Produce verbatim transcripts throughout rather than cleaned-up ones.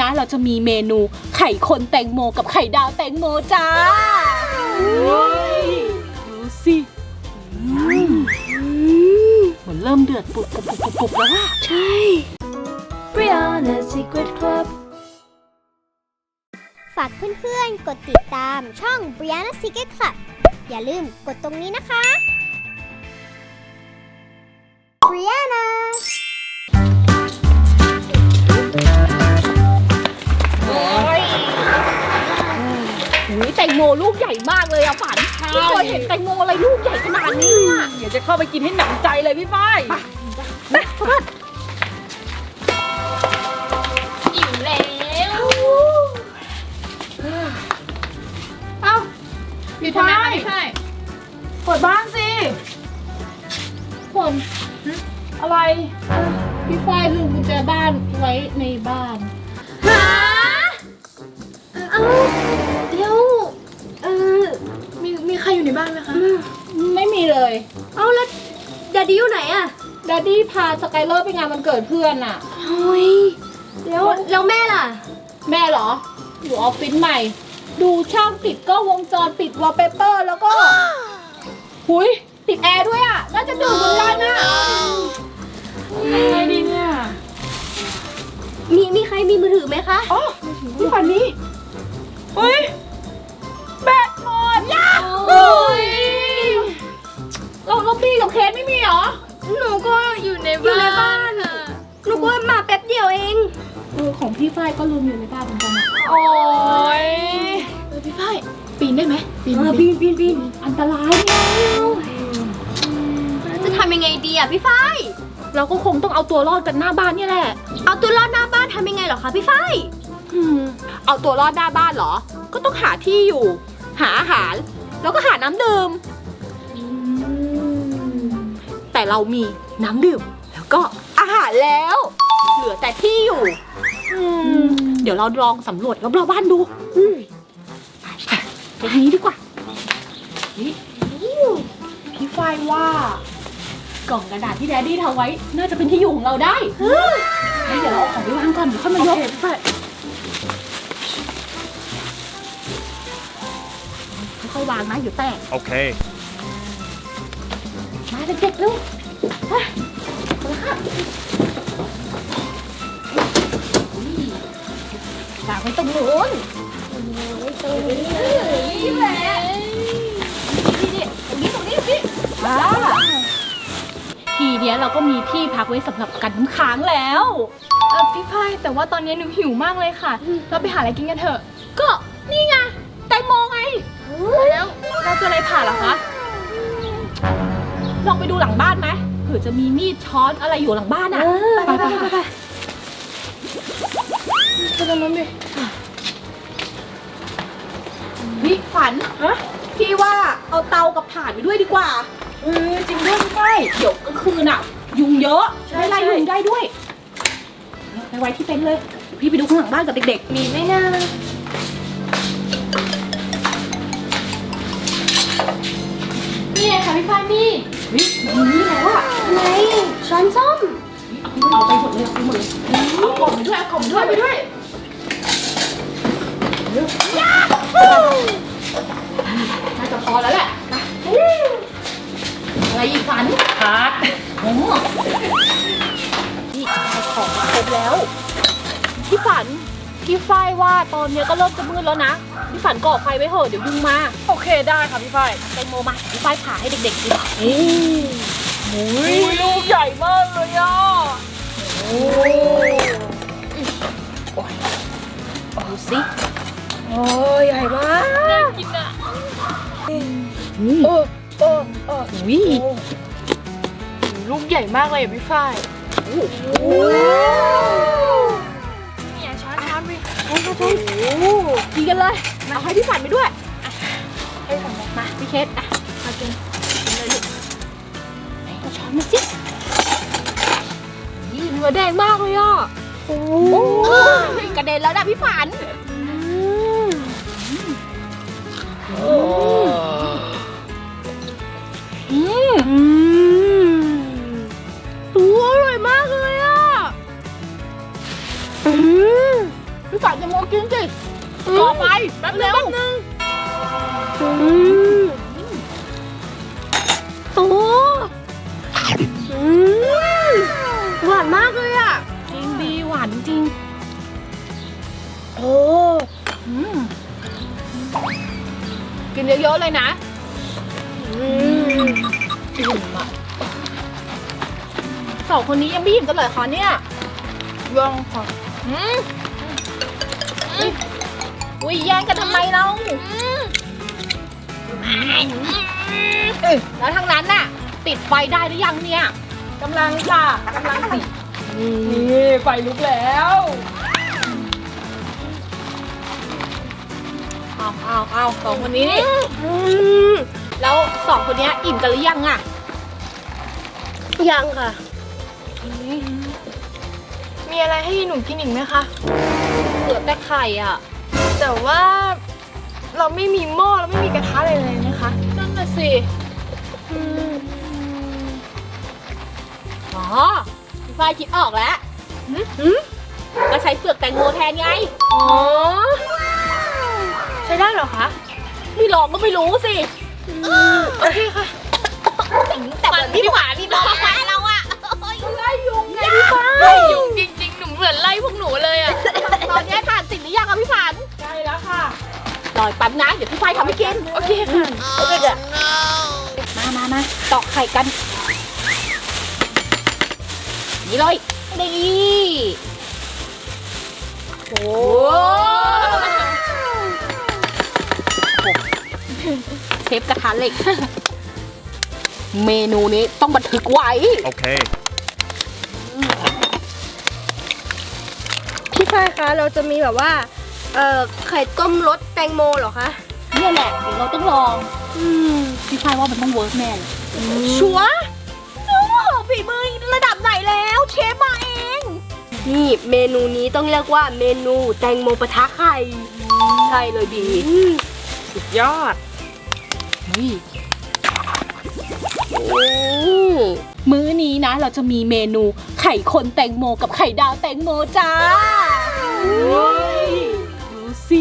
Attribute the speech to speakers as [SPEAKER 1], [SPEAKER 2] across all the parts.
[SPEAKER 1] นะเราจะมีเมนูไข่คนแตงโมกับไข่ดาวแตงโมจ้าดูสิเหมือนเริ่มเดือดปุบปุบปุบปุบแล้วอะใช่
[SPEAKER 2] Brianna's Secret Club
[SPEAKER 3] ฝากเพื่อนๆกดติดตามช่อง Brianna's Secret Club อย่าลืมกดตรงนี้นะคะ Brianna
[SPEAKER 1] อุ้ยแตงโมลูกใหญ่มากเลยอะฝันไม่เคยเห็นแตงโมอะไรลูกใหญ่ขนาดนี้อะ
[SPEAKER 4] เดี๋ยวจะเข้าไปกินให้หนำใจเลยพี่ฝ้ายไปไปอิ่มแล้วเอ้าพี่ฝ้ายเปิดบ้านสิคนอะไรพี่ฝ้ายลืมกุญแจบ้านไว้ในบ้าน
[SPEAKER 2] หาเอ้าเดี๋ยวเออมีมีใครอยู่ในบ้านไหมคะ
[SPEAKER 1] ไม่มีเลย
[SPEAKER 2] เอ้าแล้วดาดี้อยู่ไหนอะ
[SPEAKER 1] ดดดี้พาสกายเลอร์ไปงานวันเกิดเพื่อนอะ
[SPEAKER 2] โอ้ยแล้วแล้วแม่ล่ะ
[SPEAKER 1] แม่เหรออยู่ออฟฟิศใหม่ ดูช่างติดก็วงจรปิดวอลเปเปอร์แล้วก็หุยติดแอร์ด้วยอะน่าจะดื่มเหมือนกันอะยังไงดีเนี่ย
[SPEAKER 2] มีมีใครมีมือถือไหมคะ
[SPEAKER 1] อ๋อพี่ฝันนี้เฮ้ยแบตหมดยา
[SPEAKER 2] โอ้ย
[SPEAKER 1] เราเราบีกับเคสไม่มีเหรอ
[SPEAKER 2] หนูก็อยู่ในบ้านบ้านอะหนูก็มาแป๊บเดียวเอง
[SPEAKER 1] เออของพี่ฝ้ายก็ลืมอยู่ในบ้านเหมือนกันอะ
[SPEAKER 4] โอ้ย
[SPEAKER 2] เออพี่ฝ้ายปีนได้ไหมปีน
[SPEAKER 1] เออปีนปีนปีนอันตรายเนี่ย
[SPEAKER 2] จะทำยังไงดีอะพี่ฝ้าย
[SPEAKER 1] เราก็คงต้องเอาตัวรอดกันหน้าบ้านนี่แหละ
[SPEAKER 2] เอาตัวรอดหน้าบ้านทำยังไงเหรอคะพี่ฝ้าย
[SPEAKER 1] อืมเอาตัวรอดหน้าบ้านเหรอ ก็ต้องหาที่อยู่ หาอาหาร แล้วก็หาน้ำดื่ม แต่เรามีน้ำดื่ม แล้วก็อาหารแล้ว เหลือแต่ที่อยู่ อืมเดี๋ยวเราลองสำรวจรอบๆบ้านดูอืมไปไปตรงนี้ดีกว่านี่พี่ฝ้ายว่า กล่องกระดาษที่แดดดี้ทำไว้ น่าจะเป็นที่อยู่ของเราได้งั้นเดี๋ยวเราเอาของไปวางก่อนเดี๋ยวค่อยมายกค่อยๆวางนะอยู่แตก
[SPEAKER 5] Okay.
[SPEAKER 1] มาเด็กๆลูกไปคนละค่ะวางไว้ตรงนู้นตรงนี้นี่แหละนี่ตรงนี้ตรงนี้นี่อ่าทีเนี้ยเราก็มีที่พักไว้สำหรับกันน้ำค้างแล้ว
[SPEAKER 2] เออพี่ฝ้ายแต่ว่าตอนนี้หนูหิวมากเลยค่ะ เราไปหาอะไรกินกันเถอะ
[SPEAKER 1] ก็นี่ไงแตงโมไง
[SPEAKER 2] แล้วเราจะอะไรผ่าเหรอคะ
[SPEAKER 1] ลองไปดูหลังบ้านไหมเผื่อจะมีมีดช้อนอะไรอยู่หลังบ้านอ่ะไปไปไปไป
[SPEAKER 2] ไปตรงนั้นดิ
[SPEAKER 1] พี่ฝันพี่ว่าเอาเตากับถ่านไปด้วยดีกว่าเออจริงด้วยพี่ฝ้ายเดี๋ยวกลางคืนอ่ะ ยุงเยอะไม่ไล่ยุงได้ด้วยไปไว้ที่เต็นท์เลยพี่ไปดูข้างหลังบ้านกับเด็ก
[SPEAKER 2] มีไหมนะนี่ไงค่ะพี่ฝ้ายนี่
[SPEAKER 1] ๆวิมีนี่แล้วอ่ะ
[SPEAKER 2] อะไรช้อนส้ม
[SPEAKER 1] เอาไปหมดเลยเอาไปหมดเลยเอากล่องไปด้วยเอากล่องไปด้วยไปด้วยน่าจะพอแล้วแหละนะอะไรอีกฝัน
[SPEAKER 4] พัก
[SPEAKER 1] โอ้นี่เอาของมาครบแล้ว พี่ฝัน พี่ฝ้ายว่าตอนเนี้ยก็เริ่มจะมืดแล้วนะ พี่ฝันก่อไฟไว้เถอะเดี๋ยวยุงมา
[SPEAKER 4] โอเคได้ค่ะพี่ฝ้าย
[SPEAKER 1] แตงโมมาพี่ฝ้ายผ่าให้เด็กๆกิน
[SPEAKER 4] โอ้ยลูกใหญ่มากเลยอ่ะโอ้
[SPEAKER 1] ดูสิ
[SPEAKER 4] โอ้ยใหญ่มากน่ากินอ่ะเออเออเออ
[SPEAKER 1] วิ
[SPEAKER 4] ลูกใหญ่มากเลยอ่ะพี่ฝ้าย
[SPEAKER 1] โอ้
[SPEAKER 4] เนี่ยช้อนช้อนไป
[SPEAKER 1] ใช่ใช่ใช่กินกันเลยเอาให้พี่ฝันไปด้วย
[SPEAKER 4] ให้ผม
[SPEAKER 1] มาพี่เคสอ่ะมากินกินเลยลูกไหนเอาช้อนมาสินี่เนื้อแดงมากเลยอ่ะโอ้ยกระเด็นแล้วนะพี่ฝันอืมตัวอร่อยมากเลยอ่ะพี่ฝันกินสิต่อไปแป๊บเดียว
[SPEAKER 2] อืมโอ้อืมหวานมากเลยอ่ะ
[SPEAKER 1] จริงดีหวานจริง
[SPEAKER 2] โอ้
[SPEAKER 1] อืมกินเยอะๆเลยนะ
[SPEAKER 2] อืม
[SPEAKER 1] อิ่มอ่ะสองคนนี้ยังไม่อิ่มกันเลยคะเนี่ย
[SPEAKER 4] ยังค่ะ
[SPEAKER 1] อืมอุ้ยแย่งกันทำไมเราเอ้ยแล้วทางนั้นน่ะ ติดไฟได้หรือยังเนี่ย
[SPEAKER 4] กำลังค่ะกำลังสินี่ไฟลุกแล้ว
[SPEAKER 1] เอาเอาเอาสองคนนี้นี่
[SPEAKER 2] อืม
[SPEAKER 1] แล้วสองคนเนี้ยอิ่มกันหรือยังอ่ะ
[SPEAKER 2] ยังค่ะ
[SPEAKER 4] มีอะไรให้หนูกินอีกไหมคะ
[SPEAKER 1] เหลือแต่ไข่อ่ะ
[SPEAKER 4] แต่ว่าเราไม่มีหม้อเราไม่มีกระทะอะไรเลยนะคะ
[SPEAKER 1] นั่นน่ะสิอ๋อพี่ฝ้ายคิดออกแล้วหืมก็ใช้เปลือกแตงโมแทนไง
[SPEAKER 4] อ๋อ ใช้ได้เหรอคะ
[SPEAKER 1] ไม่ลองก็ไม่รู้สิ
[SPEAKER 4] โอเคค่ะ
[SPEAKER 1] แต่เหมือนพี่หวานพี่บอกว่าเราอะไล่ยุงไงพี่ฝ้าย
[SPEAKER 4] ไล่ยุงจริงๆ หนูเหมือนไล่พวกหนูเลยอะ
[SPEAKER 1] ตอนนี้ทานติดหรือยังอะพี่ฝัน
[SPEAKER 4] ใช่แล้วค่ะ
[SPEAKER 1] รออีกแป๊บนะเดี๋ยวพี่ฝ้ายทำให้กิน
[SPEAKER 4] โอเคค่ะ
[SPEAKER 1] โอเคจ้ะมามามาตอกไข่กัน นี่เลยนี่โอ้เชฟกระทะเหล็ก เมนูนี้ต้องบันทึกไว้
[SPEAKER 5] Okay.
[SPEAKER 2] พี่ฝ้ายคะเราจะมีแบบว่า เอ่อ ไข่ต้มรสแตงโมเหรอคะ
[SPEAKER 1] เนี่ยแหละเดี๋ยวเราต้องลอง
[SPEAKER 2] อืม
[SPEAKER 1] พี่ฝ้ายว่ามันต้องเวิร์กแน่เลย
[SPEAKER 2] ชัวร์
[SPEAKER 1] โอ้ฝีมือระดับไหนแล้วเชฟมาเอง
[SPEAKER 2] นี่เมนูนี้ต้องเรียกว่าเมนูแตงโมปะทะไข่
[SPEAKER 1] ใช่เลยบี
[SPEAKER 2] อืม
[SPEAKER 4] สุดยอด
[SPEAKER 1] นี่
[SPEAKER 2] โอ้
[SPEAKER 1] มื้อนี้นะเราจะมีเมนูไข่คนแตงโมกับไข่ดาวแตงโมจ้าดูสิ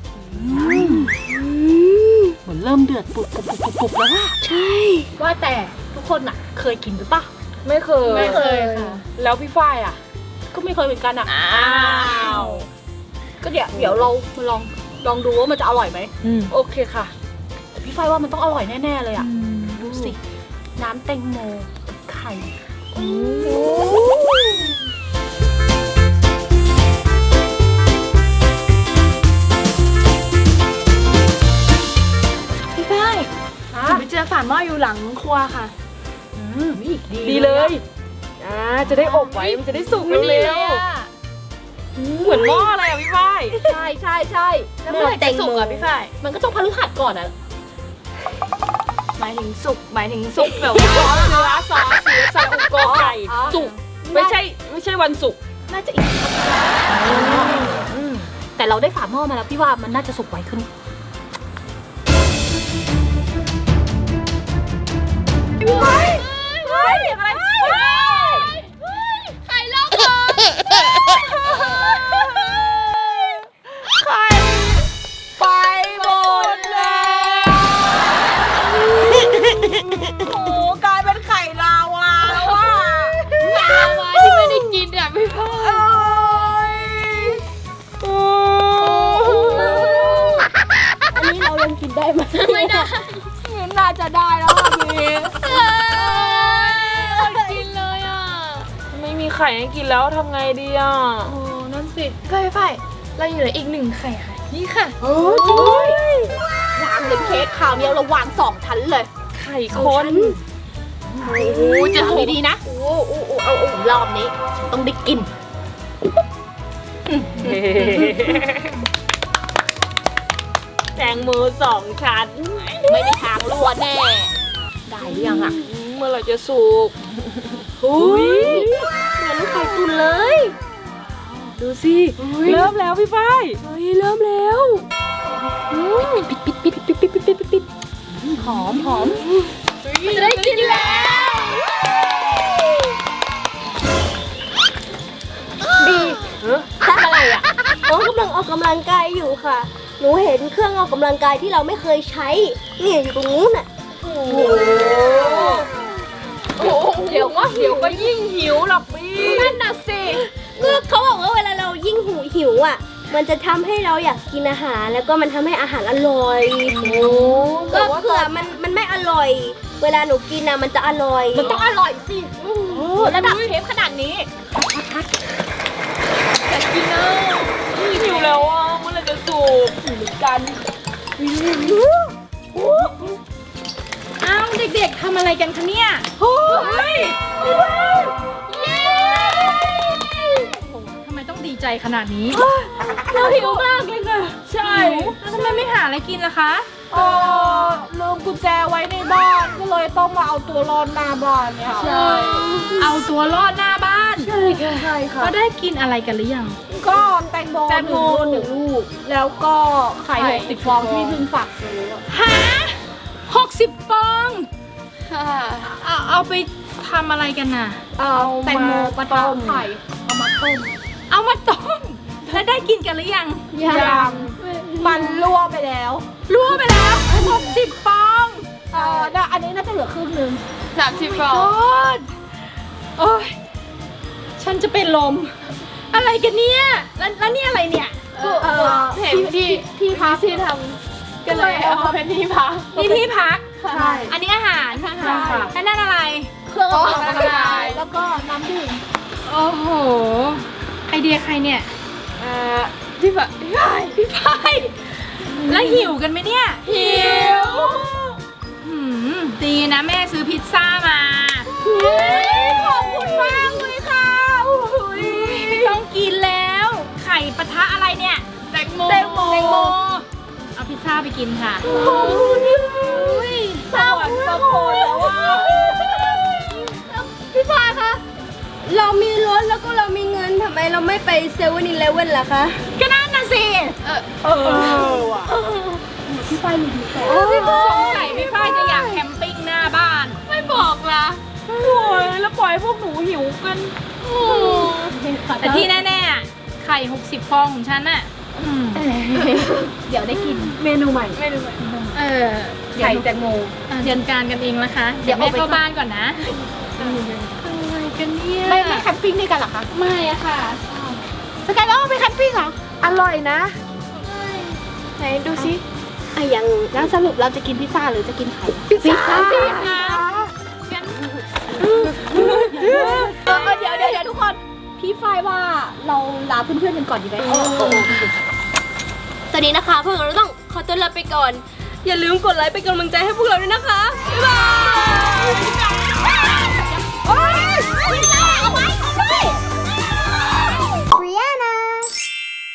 [SPEAKER 1] เหมือนเริ่มเดือดปุบปุบปุบปุบปุบแล้วว่า
[SPEAKER 2] ใช่
[SPEAKER 1] ว่าแต่ทุกคนอ่ะ เคยกินหรือปะ
[SPEAKER 4] ไม่เคย
[SPEAKER 1] ไม่เคยค่ะ
[SPEAKER 4] แล้วพี่ฝ้ายอะ
[SPEAKER 1] ก็ไม่เคยเหมือนกันอ่ะอ้าวก็เดี๋ยวเดี๋ยวเรามาลองลองดูว่ามันจะอร่อยไหม
[SPEAKER 4] โอเคค่ะ
[SPEAKER 1] แต่พี่ฝ้ายว่ามันต้องอร่อยแน่ๆเลยอ่ะดูสิน้ำแตงโมกับไข่
[SPEAKER 4] พี่ฝ้ายหนูไปเจอฝาหม้ออยู่หลังครัวค่ะ
[SPEAKER 1] อืมดี
[SPEAKER 4] ดีเลยอ่าจะได้อบไว้ มันจะได้สุกเร็วๆเหมือนหม้อเลยอ่ะพี่ฝ้าย
[SPEAKER 1] ใช่ใช่ใช่
[SPEAKER 4] แล้วเมื่อไหร่จะสุกอ่ะพี่ฝ้าย
[SPEAKER 1] มันก็ต้องพฤหัสก่อนอ่ะ
[SPEAKER 4] หมายถึงสุก หมายถึงสุกแบบว่าซอสเนื้อซอสเนื้อซอสอุกอไก่
[SPEAKER 1] อ๋อ
[SPEAKER 4] สุก ไม่ใช่ไม่ใช่วันศุกร์
[SPEAKER 1] น่าจะอีกแต่เราได้ฝาหม้อมาแล้วพี่ว่ามันน่าจะสุกไวขึ้นเฮ้ยเฮ้ยอะไรไข่ลอกคอไข่ไปหมดแล้วโอ้กลายเป็นไข่ลาวาแล้วว่ะ
[SPEAKER 2] ลาวาที่ไม่ได้กินอ่ะพี่ฝ้าย
[SPEAKER 1] อันนี้เรายังกินได้ไหม
[SPEAKER 2] ไม่ได้
[SPEAKER 1] น่าจะได้แล้วค่ะพี่
[SPEAKER 2] กินเลยอ่ะ
[SPEAKER 4] ไม่มีไข่ให้กินแล้วทำไงดีอ่ะ
[SPEAKER 1] โอ้นั่นสิ
[SPEAKER 4] ฝ้ายฝ้ายเราอยู่เหลืออีกหนึ่งไข่ค่ะ นี่ค่ะ
[SPEAKER 1] โอ้ยวางเลยเค้กคราวนี้เราวางสองชั้นเลย
[SPEAKER 4] ไข่คน
[SPEAKER 1] โอ้โหจะทำดีๆนะ
[SPEAKER 4] โอ้โอ้โอ้เอาเอา
[SPEAKER 1] รอบนี้ต้องได้กิน
[SPEAKER 4] แตงโมสองชั้น
[SPEAKER 1] ไม่มีทางรั่วแน่ ได้หรือยังอ่ะ
[SPEAKER 4] เมื่อไหร่จะสุก
[SPEAKER 1] อุ้ย
[SPEAKER 2] เหมือนไข่ตุนเลย
[SPEAKER 4] ดูสิเริ่มแล้วพี่ฝ้าย
[SPEAKER 2] เฮ้ย เริ่มแล้ว
[SPEAKER 1] ปิดปิดปิดปิดปิดปิดปิดปิดปิดหอมหอม
[SPEAKER 2] จะได้กินแล้ว
[SPEAKER 1] ดีทำอะไรอ่ะ
[SPEAKER 4] โ
[SPEAKER 3] องกำลังออกกำลังกายอยู่ค่ะ หนูเห็นเครื่องออกกำลังกายที่เราไม่เคยใช้เนี่ยอยู่ตรงนู้นน่ะ
[SPEAKER 4] เดี๋ยวก็เดี๋ยวก็ยิ่งหิวหรอกพี่นั่นน่ะสิ
[SPEAKER 3] ก็เขาบอกว่าเวลาเรายิ่งหูหิวอ่ะ มันจะทำให้เราอยากกินอาหารแล้วก็มันทำให้อาหารอร่อยก็เผื่อมันมันไม่อร่อย เวลาหนูกินอ่ะมันจะอร่อย
[SPEAKER 1] มันต้องอร่อยสิระดับเชฟขนาดนี้
[SPEAKER 4] อยากกินอ่ะหิวแล้วอ่ะเมื่อไหร่จะสุกหิวเหมือนกัน
[SPEAKER 1] อ้าวเด็กๆทำอะไรกันคะเนี่ย
[SPEAKER 4] เฮ้ย
[SPEAKER 1] เย้ทำไมต้องดีใจขนาดนี้
[SPEAKER 4] เราหิวมากเลยค่ะใช่
[SPEAKER 1] แล้วทำไมไม่หาอะไรกินล่ะคะ
[SPEAKER 4] เออลืมกุญแจไว้ในบ้านก็เลยต้องมาเอาตัวรอดหน้าบ้านเนี่ยใช่
[SPEAKER 1] เอาตัวรอดหน้าบ้าน
[SPEAKER 4] ใช่ค่ะใช่ค่ะ
[SPEAKER 1] ก็ได้กินอะไรกันหรือยัง
[SPEAKER 4] ก็แตงโม
[SPEAKER 1] แตงโม
[SPEAKER 4] หนึ่งลูกแล้วก็ไข่หกสิบฟองที่เพิ่งฝากซื้อ
[SPEAKER 1] หาหกสิบฟองเอาเอาไปทำอะไรกันน่ะ
[SPEAKER 4] เอาแตงโมปลาต้มไข่เอามาต้ม
[SPEAKER 1] เอามาต้ม แล้วได้กินกันหรือยัง
[SPEAKER 4] ยังมันรั่วไปแล้ว
[SPEAKER 1] รั่วไปแล้วหกสิบฟอง
[SPEAKER 4] เออน่ะอันนี้น่าจะเหลือครึ่งหนึง
[SPEAKER 2] สามสิบฟอง
[SPEAKER 1] โอ๊ยโอ้ยฉันจะเป็นลม อะไรกันเนี่ย แล้วแล้วนี่อะไรเนี่ย
[SPEAKER 2] เออเห็นที่ที่พักที่ทำก็เลยเอามาเป็นที่พัก
[SPEAKER 1] นี่ที่พัก
[SPEAKER 4] ใช่
[SPEAKER 1] อันนี้อาหาร
[SPEAKER 4] ใช่ค่ะ
[SPEAKER 1] อันนั้นอะไร
[SPEAKER 4] เครื่องออกกำลังกายแล้วก็น้ำดื่ม
[SPEAKER 1] โอ้โห ไอเดียใครเนี่ย
[SPEAKER 2] เออพี่พักพี่พัก
[SPEAKER 1] พี่พายแล้วหิวกันไหมเนี่ย
[SPEAKER 2] หิว
[SPEAKER 1] หืมดีนะแม่ซื้อพิซซ่ามา
[SPEAKER 4] ขอบคุณมากเลยค่ะอุ้ย
[SPEAKER 1] ไม่ต้องกินแล้ว ไข่ปะทะอะไรเนี่ย
[SPEAKER 2] แตงโม
[SPEAKER 1] แตงโมแตงโม เอาพิซซ่าไปกินค่ะ
[SPEAKER 4] สวรรค์ประโคนแล้วว่า
[SPEAKER 3] พี่ฟ้าคะ เรามีรถแล้วก็เรามีเงินทำไมเราไม่ไปเซเว่นอีเลฟเว่นล่ะคะ
[SPEAKER 1] ก็นั่นน่ะสิ
[SPEAKER 2] เออ
[SPEAKER 4] เออว่ะพี่ไฟมีดีแต่
[SPEAKER 1] สงสัยพี่ฝ้ายจะอยากแคมปิ้งหน้าบ้าน
[SPEAKER 2] ไม่บอกละ
[SPEAKER 4] โอ้ยแล้วปล่อยให้พวกหนูหิวกัน
[SPEAKER 1] แต่ที่แน่ๆอะไข่หกสิบฟองของฉันน่ะอืมเดี๋ยวได้กิน
[SPEAKER 4] เมนูใหม่
[SPEAKER 2] ไม่รู้ไหม
[SPEAKER 1] เออ
[SPEAKER 4] ไข่แตงโม
[SPEAKER 1] อ่ะเดินการกันเองนะคะ เดี๋ยวแม่เข้าบ้านก่อนนะ
[SPEAKER 2] อะไรกันเนี่ย
[SPEAKER 4] ไม่ไม่แคมปิ้งด้วยกันเหรอคะ
[SPEAKER 2] ไม่อะค่ะ
[SPEAKER 4] สกายแล้วไปแคมปิ้งเหรออร่อยนะ
[SPEAKER 2] ไหนดูสิ
[SPEAKER 3] อ่ะยังแล้วสรุปเราจะกินพิซซ่าหรือจะกินไข่
[SPEAKER 4] พิซซ่า
[SPEAKER 2] งั้น
[SPEAKER 1] เออเออเดี๋ยวเดี๋ยวเดี๋ยวทุกคน พี่ฝ้ายว่าเราลาเพื่อนๆกันก่อนดีไหม
[SPEAKER 3] ตอนนี้นะคะพวกเราต้องขอตัวลาไปก่อน อย่าลืมกดไลค์เป็นกำลังใจให้พวกเราด้วยนะคะ บ๊ายบาย